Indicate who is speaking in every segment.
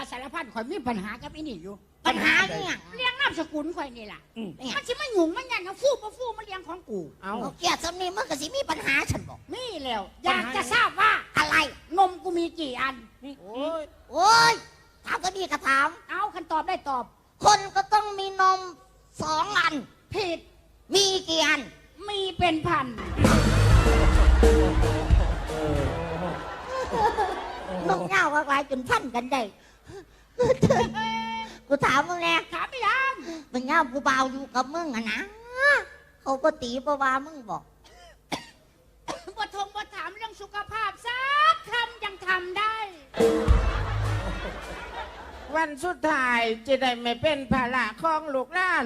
Speaker 1: สารพัดข่อยมีปัญหากับอีนี่อยู่
Speaker 2: ปัญหาเนี่ย
Speaker 1: เลี้ยงนามสกุลข่อยนี่ล่ะมันสิมาหยุ่งมันยันเอาฟูมาเลี้ยงของกู
Speaker 2: เอาเกียรติสำนีมึงก็สิมีปัญหาฉันบอก
Speaker 1: มีแล้วอยากจะทราบว่า
Speaker 2: อะไร
Speaker 1: นมกูมีกี่อัน
Speaker 2: โอ้ยถามก็ดีก็ถาม
Speaker 1: เอาคันตอบได้ตอบ
Speaker 2: คนก็ต้องมีนม2 อัน
Speaker 1: ผิด
Speaker 2: มีกี่อัน
Speaker 1: มีเป็นพัน
Speaker 2: นมเน่าอะไรจนพันกันได้กูถามมึงแน่
Speaker 1: ถามไปยัง
Speaker 2: มึงเน่ากูเบาอยู่กับมึงอะนะเขาก็ตีปะวามึงบอก
Speaker 1: บ่ถามเรื่องสุขภาพสักคำยังทำได้
Speaker 3: วันสุดท้ายจะได้ไม่เป็นภาระของลูกหลาน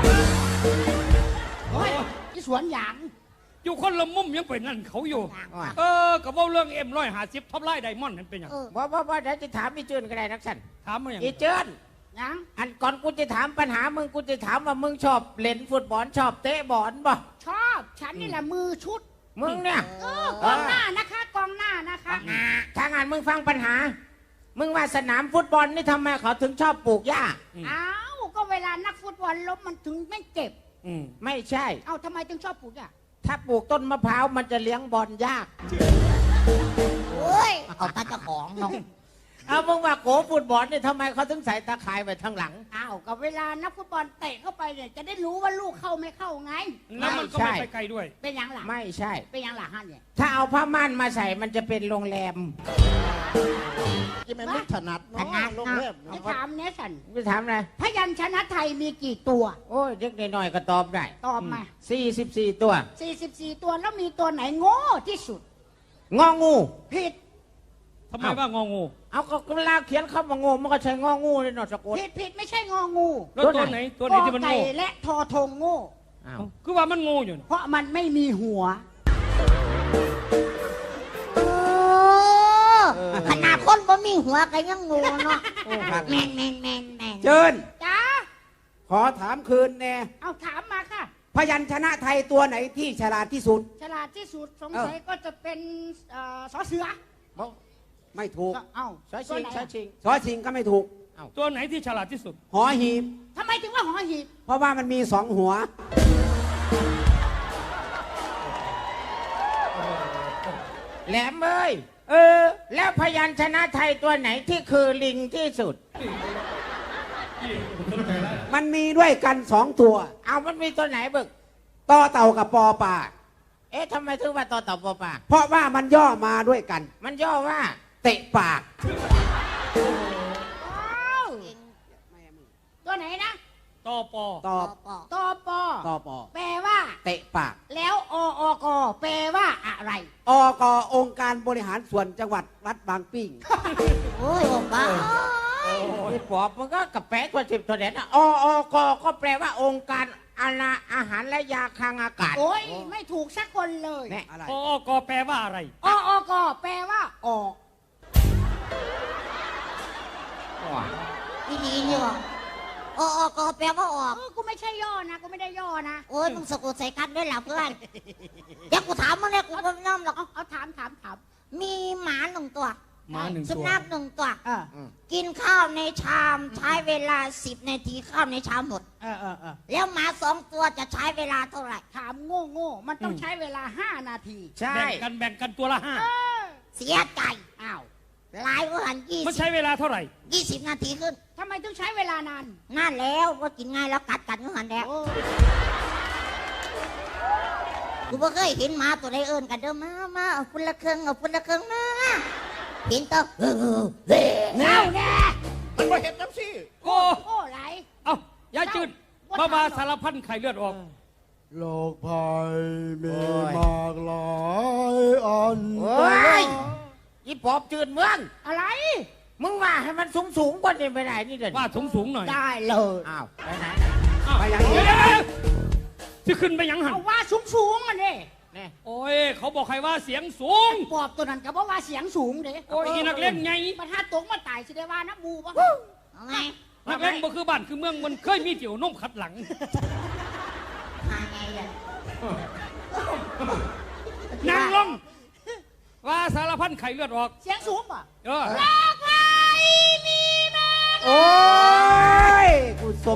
Speaker 1: โอ้ยที่สวนหยาง
Speaker 4: อยู่คนละมุมยังเป็นนั่นเขาอยู่กับว่าเรื่องM150ท็อปไลน์ไดมอนด์นั่นเป็นอย่าง
Speaker 3: ว่าเดี๋ยวจะถามอีเจินก็ได้นักสัน
Speaker 4: ถามมาอย่าง
Speaker 3: อีเจิน
Speaker 1: ยัง
Speaker 3: อันก่อนกูจะถามปัญหามึงกูจะถามว่ามึงชอบเล่นฟุตบอลชอบเตะบอลบ่
Speaker 1: ชอบฉันนี่แหละมือชุด
Speaker 3: มึงเนี่ย
Speaker 1: กองหน้านะคะกองหน้านะคะ
Speaker 3: ถ้างานมึงฟังปัญหามึงว่าสนามฟุตบอลนี่ทำไมเขาถึงชอบปลูกหญ้า
Speaker 1: อ้าวก็เวลานักฟุตบอลล้มมันถึงไม่เจ็บ
Speaker 3: ไม่ใช่
Speaker 1: เอ้าทำไมถึงชอบปลูกหญ้า
Speaker 3: ถ้าปลูกต้นมะพร้าวมันจะเลี้ยงบอลยาก
Speaker 2: โอ้ยเอาตาเจ้าของน้อง
Speaker 3: เอามึงว่าโกฟุตบอลเนี่ยทำไมเขาถึงใส่ตาข่ายไว้ทางหลัง
Speaker 1: อ้าวก็เวลานักฟุตบอลเตะเข้าไปเนี่ยจะได้รู้ว่าลูกเข้าไม่เข้าไง
Speaker 4: แล้วมันก็ไม่ไปไกลด้วย
Speaker 1: เป็นยังหลัง
Speaker 3: ไม่ใช่
Speaker 1: เป็นยังหลังฮะเนี่ย
Speaker 3: ถ้าเอาผ้าม่านมาใส่มันจะเป็นโรงแรม
Speaker 5: ที่มันไม่ถนัดเนาะโรงแรม
Speaker 1: จะถามเนสัน
Speaker 3: จะถามอะไร
Speaker 1: พยัญชนะไทยมีกี่ตัว
Speaker 3: โอ้ยเด็กน้อยก็ตอบได้
Speaker 1: ตอบมา
Speaker 3: 44 ตัว
Speaker 1: 44ตัวแล้วมีตัวไหนโง่ที่สุด
Speaker 3: งองู
Speaker 1: ผิด
Speaker 4: ทำไมว่างองู
Speaker 3: เอาก็เวลาเขียนคำว่างูมันก็ใช้งองูเลยเนาะสะกด
Speaker 1: ผิดไม่ใช่งองู
Speaker 4: แล้วตัวไหนที่มันโง่
Speaker 1: และทอทงโง่
Speaker 4: คือว่ามันโง่อยู่
Speaker 1: เพราะมันไม่มีหัว
Speaker 2: ขนาดคนบ่มีหัวก็ยังงูเนาะแมน
Speaker 3: เจิน
Speaker 1: จ้า
Speaker 3: ขอถามคืนแน่
Speaker 1: เอาถามมาค่ะ
Speaker 3: พยัญชนะไทยตัวไหนที่ฉลาดที่สุด
Speaker 1: ฉลาดที่สุดสงสัยก็จะเป็นสอเสือ
Speaker 3: ไม่ถูก
Speaker 1: เอ้า
Speaker 3: สอชิงก็ไม่ถูก
Speaker 4: ตัวไหนที่ฉลาดที่สุด
Speaker 3: หอหีบ
Speaker 1: ทำไมถึงว่าหอหีบ
Speaker 3: เพราะว่ามันมี2 หัวแหลมเอ้ยแล้วพยัญชนะไทยตัวไหนที่คือลิงที่สุดมันมีด้วยกัน2 ตัวเอามันมีตัวไหนบึกต่อเต่ากับปอปลาทำไมถึงว่าต่อเต่าปอปลาเพราะว่ามันย่อมาด้วยกันมันย่อว่าเตะปาก
Speaker 1: ตัวไหนนะ
Speaker 4: ตอปอ
Speaker 1: แปลว่า
Speaker 3: เตะปาก
Speaker 1: แล้วอกแปลว่าอะไร
Speaker 3: อกองค์การบริหารส่วนจังหวัดวัดบางปิ้ง
Speaker 2: โอ้ยบ้า
Speaker 3: ปอบมันก็กระแปะตัว10 ตัวเด่นอกก็แปลว่าองค์การอาหารและยาคลังอากาศ
Speaker 1: โอ้ยไม่ถูกสักคนเลย
Speaker 4: อกแปลว่าอะไร
Speaker 1: อกแปลว่าออก
Speaker 2: ดีนี่วะอกแปลว่าออก
Speaker 1: กูไม่ใช่ย่อนะกูไม่ได้ย่อนะ
Speaker 2: โอ้ยมึงสะกดใส่กันด้วยหรอเพื่อนอยากกูถามมึงเนี่ยกูก็ไม่ยอมหรอก
Speaker 1: เอาถาม
Speaker 2: มีหมา1 ตัวสุนัข1 ตัวกินข้าวในชามใช้เวลา10 นาทีข้าวในชามหมดแล้วหมา2 ตัวจะใช้เวลาเท่าไหร่
Speaker 1: ถามโง่มันต้องใช้เวลา5 นาที
Speaker 3: ใช่
Speaker 4: แบ่งกันตัวละ
Speaker 2: 5เสียใจอ้าวลายว่าหัน20
Speaker 4: มันใช้เวลาเท่าไหร่
Speaker 2: 20 นาทีขึ้น
Speaker 1: ทำไมต้องใช้เวลานาน
Speaker 2: แล้วว่ากินง่ายแล้วกัดก็หันแล้วกูบ่เคยเห็นหมาตัวใดเอิ้นกันเด้อมาเอาคนละเครื่องมาเห็นตัว
Speaker 1: แน่
Speaker 5: มันบ่เห็นน้ำสิ
Speaker 1: โอ้ไหล
Speaker 4: ยาจืดบ้าสารพันไข่เลือดออก
Speaker 5: โรคภัยมีมากหลายอัน
Speaker 3: อีปอบจืดเมือง
Speaker 1: อะไร
Speaker 3: มึงว่าให้มันสูงกว่านี้ไปไหนนี่เด่น
Speaker 4: ว่าสูงหน่อย
Speaker 1: ได้เลย
Speaker 3: อ้าวไปไหน
Speaker 4: ไปยังที่ขึ้นไปยังหัน
Speaker 1: ว่าสูงมันดิ
Speaker 4: โอ้ยเขาบอกใครว่าเสียงสูง
Speaker 1: ปอบตัวนั้นก็บอกว่าเสียงสูงเด้
Speaker 4: โอ้ยนักเล่นไง
Speaker 1: มันถ้าตกมาตายสิได้ว่าน้ำมูปะ
Speaker 4: นักเล่นบ่คือบ้านคือเมืองมันเคยมีเกี่ยวนุ่มขัดหลังนั่งลงว่าสารพันไข่เลือดออก
Speaker 1: เสียงสูงป่ะ
Speaker 4: โรค
Speaker 1: ภัยมีมา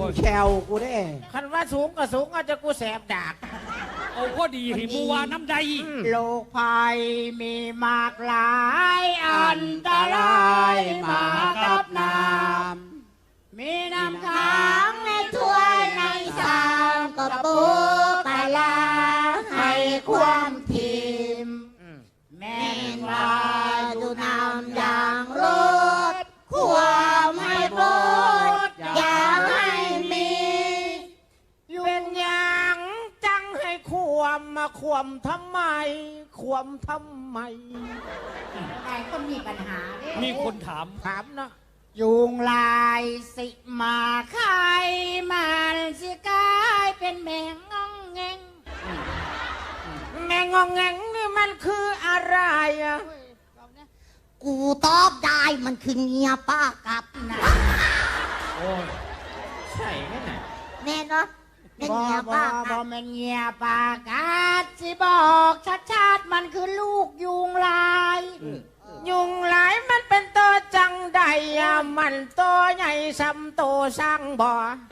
Speaker 3: แชวกูได้
Speaker 6: คันว่าสูงก็สูงอาจจะกูแสบดาก
Speaker 4: เอาพอดีให้หมูวาน้ำใด
Speaker 1: โลกภัยมีมากหลายอันตรายมากับน้ำมีน้ำค้าง
Speaker 2: ในถ้วยในชามก็ปูปลาร้าให้ความทิมแม่นว่าดูน้ำอย่างรสความให้โปรดอย่าให้มี
Speaker 6: เป็นอย่างจังให้ความมาความทำไม ความทำไม
Speaker 1: นายก็มีปัญหาเด้
Speaker 4: มีคนถาม
Speaker 6: ถามเนาะ
Speaker 1: ยุงลายสิมาไข่มันสิกลายเป็นแมงงองแงง
Speaker 6: แมงงองแงงนี่มันคืออะไรอะ
Speaker 2: กูตอบได้มันคือเงียป้ากับนะ
Speaker 4: โอ้ย
Speaker 6: ใช่ไหมน่ะ
Speaker 2: แน่เนาะเป็น
Speaker 1: บ่
Speaker 2: เงีย
Speaker 1: บ่
Speaker 2: ป้า
Speaker 1: บ่
Speaker 2: กับ
Speaker 1: แม่นเงียปากกาดสิบอกชัดๆมันคือลูกยุงลาย
Speaker 6: ยุงหลายมันเป็นตัวจังใดอะมันตัวใหญ่ซ้ำตัวสร้างบ่อ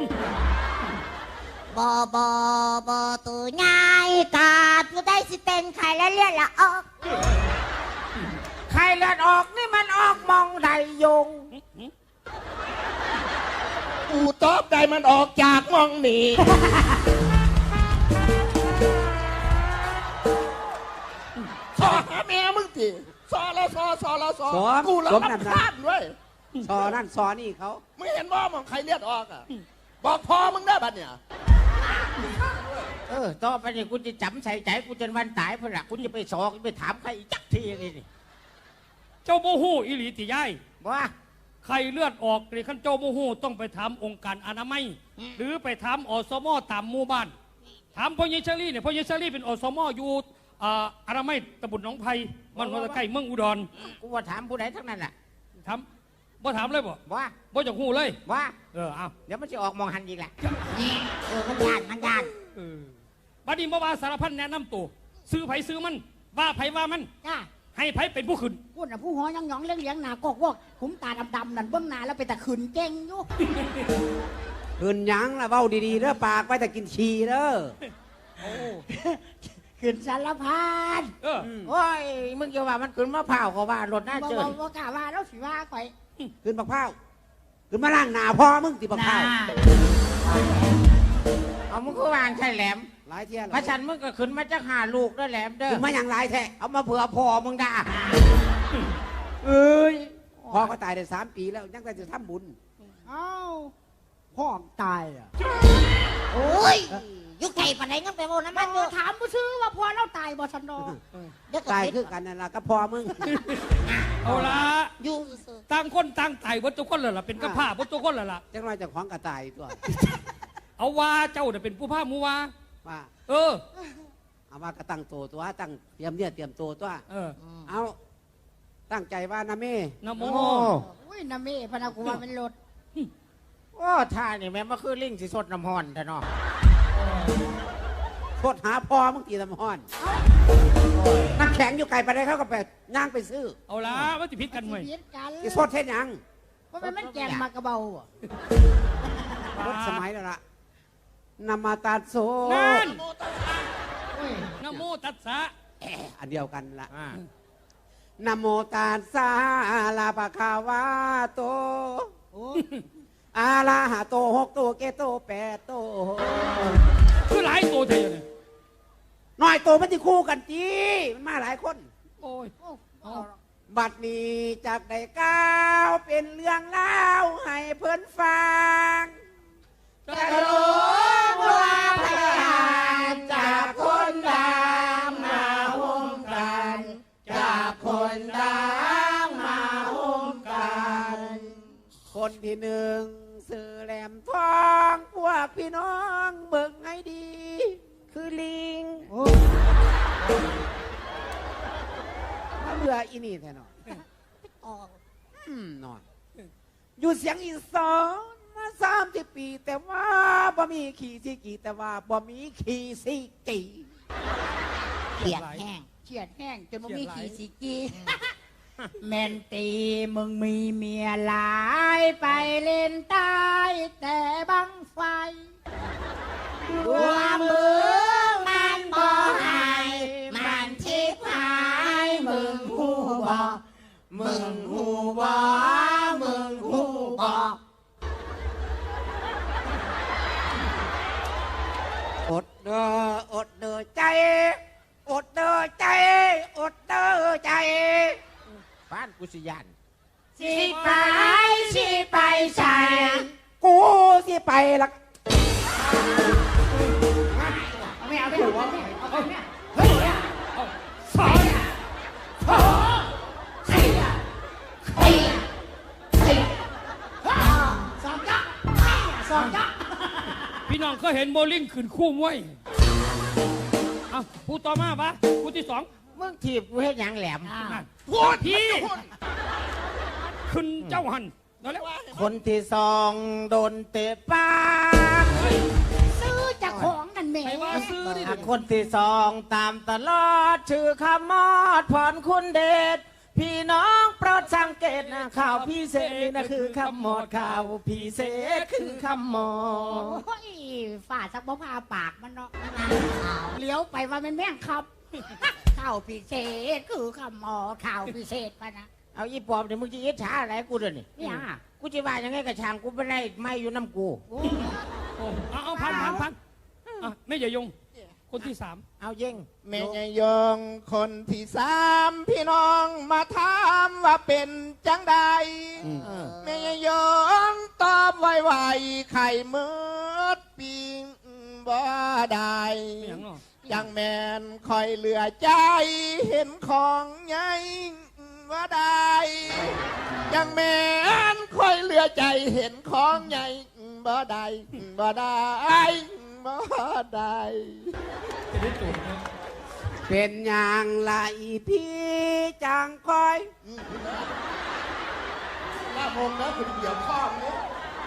Speaker 2: บ่ตัวง่ายกาดกูได้สิเป็นใครแล้วเรียกละออก
Speaker 6: ใครเลือดออกนี่มันออกมองใดยุง
Speaker 5: กูตอบได้มันออกจากมองหนี ซอหาแม่มึงทีซอแล้วซอกูแล้วรับพลาดด้วย
Speaker 3: ซอนั่นซอนี่เขา
Speaker 5: มึงเห็นว่ามันใครเลือดออกอ่ะ บอกพอมึงได้บัดเนี่ย
Speaker 6: ต่อไปนี่กูจะจำใส่ใจกูจนวันตายเพื่อนละกูจะไปสอกไปถามใครอีกจักทีเลยนี่
Speaker 4: เจ้าโมโหอิหลีติยาย
Speaker 6: ว่า
Speaker 4: ใครเลือดออกหรือขั้นเจ้าโมโหต้องไปถามองค์การอนามัย หรือไปถามอสมตามหมู่บ้าน ถามพ่อเยเชอรี่เนี่ยพ่อเยเชอรี่เป็นอสมอยู่อนามัยตำบลหนองไผ่มันมาใกล้เมืองอุดร
Speaker 6: กูว่าถามผู้ใดทั้งนั้นแหละ
Speaker 4: ถามบ่ถามเลยบ่
Speaker 6: ว่า
Speaker 4: บ่จากหูเลย
Speaker 6: ว่า
Speaker 4: เอา
Speaker 6: เดี๋ยวมันจะออกมองหันอีกแหละ
Speaker 2: มันยาน
Speaker 4: บัดนี้บ่ว่าสารพันแนะนำตัวซื้อไผซื้อมันว่าไผว่ามัน
Speaker 1: จ้า
Speaker 4: ให้ไผเป็นผู้ขึ้น
Speaker 1: พูดน่ะผู้หอยังหยองเลี้ยงเลี้ยงหนากอกวอกขุมตาดำๆนั่นเบื้องหน้าแล้วไปแต่ขืนเก่งอยู่
Speaker 3: คืนหยังละเว้าดีๆเด้อปากไว้แต่กินชีเด้อ
Speaker 1: ขืนสารพัด
Speaker 6: โอ้ยมึงจะว่ามันขึ้นมะพร้าวก็ว่ารถหน้า
Speaker 1: บ่
Speaker 6: เจิ
Speaker 1: บ่
Speaker 6: น
Speaker 1: บ่กล้าว่าแล้วสิว่าข่อย
Speaker 3: คืนบักพร้าวคืนมาล่างหนาพ่อมึงติบักพร้าว
Speaker 6: เอามึงก็วางใช่แหลม
Speaker 3: หลายเที่ย
Speaker 6: พระฉันมึงก็ขึ้นมาจะหาลูกด้วยแหลมเด้อ
Speaker 3: คืนมาอย่างไรแท้
Speaker 6: เอามาเผื่อพ่อมึงด่า
Speaker 3: เอ้ยพ่อก็ตายได้3 ปีแล้วยังแต่จะทำบุญ
Speaker 1: เอ้าพ่อตายอ่ะ
Speaker 2: โอ้ยยุคไก่ปันไหนงั้นไปโมน้ำ
Speaker 1: มั
Speaker 2: มัน นอยู่
Speaker 1: ถามผู้ซื้อว่าพ่อเราตายบ่ชันดอ
Speaker 2: เดี๋ยวก็
Speaker 3: ตาย
Speaker 2: คิด
Speaker 3: คือกันนั่นล่ะก็พ่อมึง
Speaker 4: เอาละ
Speaker 2: อยู่
Speaker 4: ต่างคนต่างตายวัตถุคนเลยล่ะเป็นกระพ้าวัตถุคนเลยล่ะ
Speaker 3: จังไรจะของกระตายตัว
Speaker 4: เอาว่าเจ้าเนี่ยเป็นผู้พาหมูว่า
Speaker 3: ว่า
Speaker 4: เออ
Speaker 3: เอามากระตั้งตัวตั้งเตรียมเนี่ยเตรียมตัวตัว
Speaker 4: เออ
Speaker 3: เอาตั้งใจว่านะแม่
Speaker 4: นะโม
Speaker 1: อุ้ยน้าเม่พนักกูว่าเป็นรถ
Speaker 6: โอ้ท่านี่แม่มาคือลิงสิสดน้ำหอนแต่เนาะ
Speaker 3: โทษหาพ่อมึงตีลำห้อนน้ำแข็งอยู่ไกลไปได้เขาก็ไปย่างไปซื้อ
Speaker 4: เอาละว่าจะพิษกันไหม
Speaker 1: เพี้ยนกัน
Speaker 3: ที่โทษเท่ยัง
Speaker 1: เพราะมันแกงมากระเบาอ่ะ
Speaker 3: รถสมัยแล้วล่ะนามาตาโซ
Speaker 4: นั่น
Speaker 1: อุ้ย
Speaker 4: นะโมตัสสะ
Speaker 3: อันเดียวกันละ
Speaker 6: อ่า
Speaker 3: นะโมตัสสะลาปะคาวาโต
Speaker 1: โอ้
Speaker 3: อาลาหะโต6 ตัวเกโต8 ตัว
Speaker 4: คือหลายตัวเท่าเนี่ย
Speaker 3: น้อยตัวมันที่คู่กันจีมันมาหลายคน
Speaker 4: โอ้ย
Speaker 1: โอ้
Speaker 4: เอา
Speaker 3: บัดนี้จากได้ก้าวเป็นเรื่องเล่าวให้เพื่อนฟัง
Speaker 4: จะโล
Speaker 3: ว่าพยานจากคนดังมาห่มกัน จากคนดังมาห่มกัน คนที่หนึ่งสื่อแหลมทองพวกพี่น้องเบิ่งให้ดี คือลิงมาเบื่ออีนี่แท้หนอ
Speaker 2: ออก
Speaker 3: หน่อยอยู่เสียงอีสานมา30 ปี แต่ว่าบ่มีขี่ซีกีแต่ว่าบ่มีขี่ซีกี
Speaker 2: เขียดแห้ง
Speaker 1: เฉียดแห้งจนมันมีขี่สีกีแม่นตีมึงมีเมียหลายไปเล่นใต้แต่บังไฟ
Speaker 3: ว่ามึงมันบ่หายมันชิบหายมึงหูบ่มึงหูบ่มึงหูบ่
Speaker 1: อดเด้ออดเด้อใจ อดเด้อใจ อดเด้อใจ
Speaker 6: บ้านกุศยาน
Speaker 3: สิไปสิไปใส่
Speaker 1: กูสิไปละ
Speaker 3: ไม่เอาไม่เอาไม่เอาไม่เอาเฮ้ย
Speaker 4: สอน
Speaker 3: โอ้เฮ้ยเฮ้ยเฮ้ยสองจ๊ะสองจ๊ะ
Speaker 4: พี่น้องก็เห็นโบลิ่งขึ้นคู่มวยอ่ะผู้ต่อมาปะผู้ที่สอง
Speaker 6: มึงถีบกูให้หยังแหลม
Speaker 4: นั่นพี่ขึ้นเจ้าหันนั่นแหละ
Speaker 6: คนที่สองโดนเตะปาก
Speaker 3: ซื้อจากของนั่นแม่
Speaker 4: ใครว่าซื้อดิ
Speaker 6: คนที่สองตามตลอดชื่อขมอดพรคุณเดชพี่น้องโปรดสังเกตนะข่าวพิเศษนี่นะคือขมอดข่าวพิเศษคือขมอด
Speaker 3: โอ้ยฝ่าสักบ่พาปากมันเนาะเลี้ยวไปว่ามันแม่งครับข้าวพิเศษคือคำหมอข้าวพิเศษปะนะ
Speaker 6: เอาอีปอบเดี๋ยวมึงจะอิจฉาอะไรกูเดี๋ยวนี้
Speaker 3: เนี่ย
Speaker 6: กูจะว่ายังไงกับช่างกูไม่ได้ไม่อยู่น้ำกู
Speaker 4: เอาพันอ่ะไม่อย่ายง คนที่สาม
Speaker 6: เอาเย่ง
Speaker 5: แม่ยายยงคนที่สามพี่น้องมาถามว่าเป็นจังใด
Speaker 6: เออ
Speaker 5: แม่ยายยงตอบไวๆไข่มืดปิงบ่ได้
Speaker 4: ไม่อย่างเนาะ
Speaker 5: ยังแมนคอยเหลือใจเห็นของใหญ่ว่าได้ยังแมนคอยเหลือใจเห็นของใหญ่บ่ได้บ่ได้บ่ได้
Speaker 4: จะได้จุดนะ
Speaker 1: เป็นอย่างไรพี่จังคอย
Speaker 5: ลาโมกนะคุณเดี่ยวข้องเนี่ย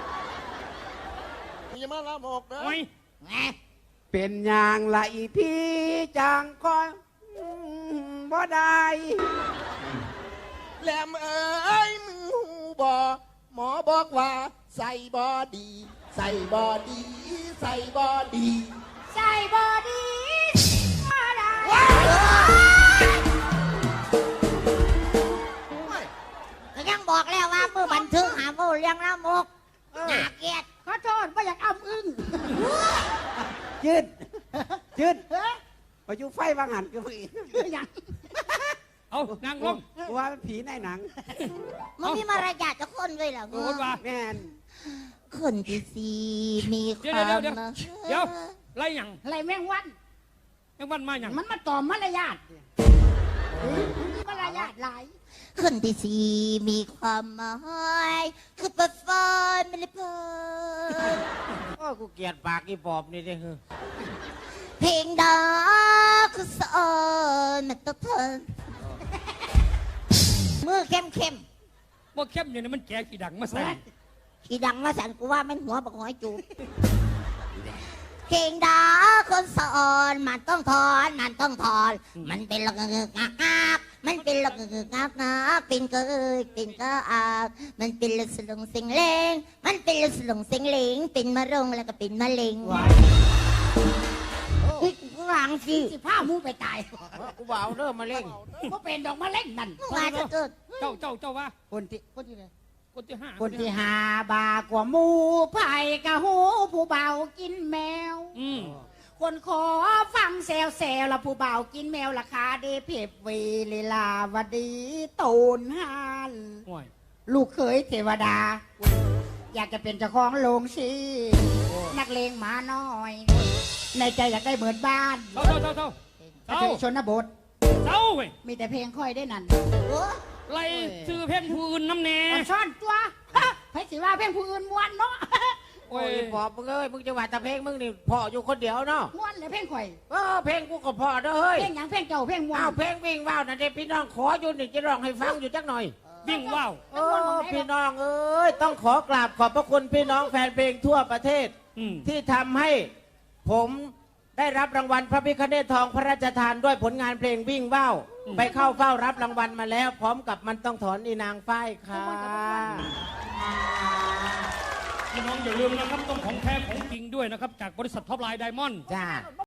Speaker 5: มีมาลาโมกนะ
Speaker 4: โอ้ย
Speaker 3: แหม
Speaker 1: เป็นอย่างไรพี่จังคอยบ่ได้
Speaker 5: แหลมเอ้ยมึงหูบ่หมอบอกว่าใส่บอดี ใส่บอดี ใส่บอดี
Speaker 3: ใส่บอดี้มาได้
Speaker 2: ก็ยังบอกแล้วว่ามือบันทึกหาโมเลี้ยงละมกน่าเกลียด
Speaker 3: ขอโทษว่าอยากอ้ำอึ้ง
Speaker 1: ยืดยืดไปอยู่ไฟบางหันก็อีก
Speaker 3: อย่าง
Speaker 4: เอานางลง
Speaker 1: ว่าเป็นผีในหนัง
Speaker 2: มันมีมารยาทจะคนด้วยเหรอ
Speaker 4: โอ้โหว่า
Speaker 1: แม่น
Speaker 2: คนที่สี่มีค
Speaker 4: เดี๋ยว
Speaker 2: วาม
Speaker 4: เดี๋ยวเดี๋ยวไล่หยัง
Speaker 3: อะไรแมงวัน
Speaker 4: แม่งวันมาหยัง
Speaker 3: มันมาต่อมารยาทมันมีมารยาทหลาย
Speaker 2: คนที่สี่มีความหมายคือเปิดไฟไม่ได้เพิ่ม
Speaker 6: โอ้กูเกลียดปากอีปอบนี่เด้อ
Speaker 2: เพลงดาคือสอนมันต้องเพิ่มมือเข้มเข้ม
Speaker 4: ว่าเข้มอย่างนี้มันแก่กี่ดังมาใส่
Speaker 2: ขี่ดังมาสั่นกูว่ามันหัวบักหอยจูบเพลงดาคนสอนมันต้องถอนมันต้องถอน มันเป็นละงึกงักงักมันเป็นละงึกงักงักเป็นเกยเป็นกะอาบมันเป็นละสลงสิงเลงมันเป็นละสลงสิงเลงเป็นมะรงแล้วก็เป็นมะเร็งเฮ้ยกูหลังสิ
Speaker 3: สิผ้ามูไปตาย
Speaker 6: กูบ่เอาเริ่มมาเล่ง
Speaker 3: ก็เป็นดอกมะเร็งนั่น
Speaker 2: มึงว่าจะเกิด
Speaker 4: เจ้าว่า
Speaker 3: คนที่ไหน
Speaker 4: คนที่ห้า
Speaker 3: คนที่หาบากว่าหมูไผ่กะหูผู้เบากินแมว
Speaker 4: อืม
Speaker 3: คนขอฟังแซวแซวละผู้เบากินแมวราคาเดเพบวีลีลาวดีตูนฮาน
Speaker 4: โอ้ย
Speaker 3: ลูกเขยเทวดา อยากจะเป็นเจ้าของโรงชีนักเลงหมาน้อย ในใจอยากได้เหมือนบ้าน
Speaker 4: เจ้า
Speaker 3: แต่ถึงชนบท
Speaker 4: เจ้าเว้ย
Speaker 3: มีแต่เพลงค่อยได้นั่น
Speaker 2: โอ้
Speaker 4: ไล่ซื้อเพลงผู้อื่นน้ำแน่
Speaker 3: อ่อนซ่อนตัวไพ่สิว่าเพลงผู้อื่นม้วนเนาะ
Speaker 6: โอ้ยอีปอบมึงเอ้ยมึงจะว่าแต่เพลงมึงนี่พออยู่คนเดียวเนาะ
Speaker 3: ม้วนเลยเพลงข่อย
Speaker 6: เพลงกูก็พอเด้อเฮ้ย
Speaker 3: เพลงหยังเพลงเจ้าเพลงม้วน
Speaker 6: อ้าวเพลงวิ่งว่าวนั่นเด็พี่น้องขออยู่นี่จะร้องให้ฟังอยู่จักหน่อย
Speaker 4: วิ่งว่าว
Speaker 6: พี่น้องเอ้ยต้องขอกราบขอบพระคุณพี่น้องแฟนเพลงทั่วประเทศ
Speaker 4: อืม
Speaker 6: ที่ทำให้ผมได้รับรางวัลพระพิฆเนศทองพระราชทานด้วยผลงานเพลงวิ่งว่าวไปเข้าเฝ้ารับรางวัลมาแล้ว พร้อมกับมันต้องถอนอีนางฝ้ายค่ะ
Speaker 4: พี่น้องอย่าลืมนะครับต้องของแท้ของจริงด้วยนะครับจากบริษัทท็อปไลน์ไดมอนด์
Speaker 6: จ้า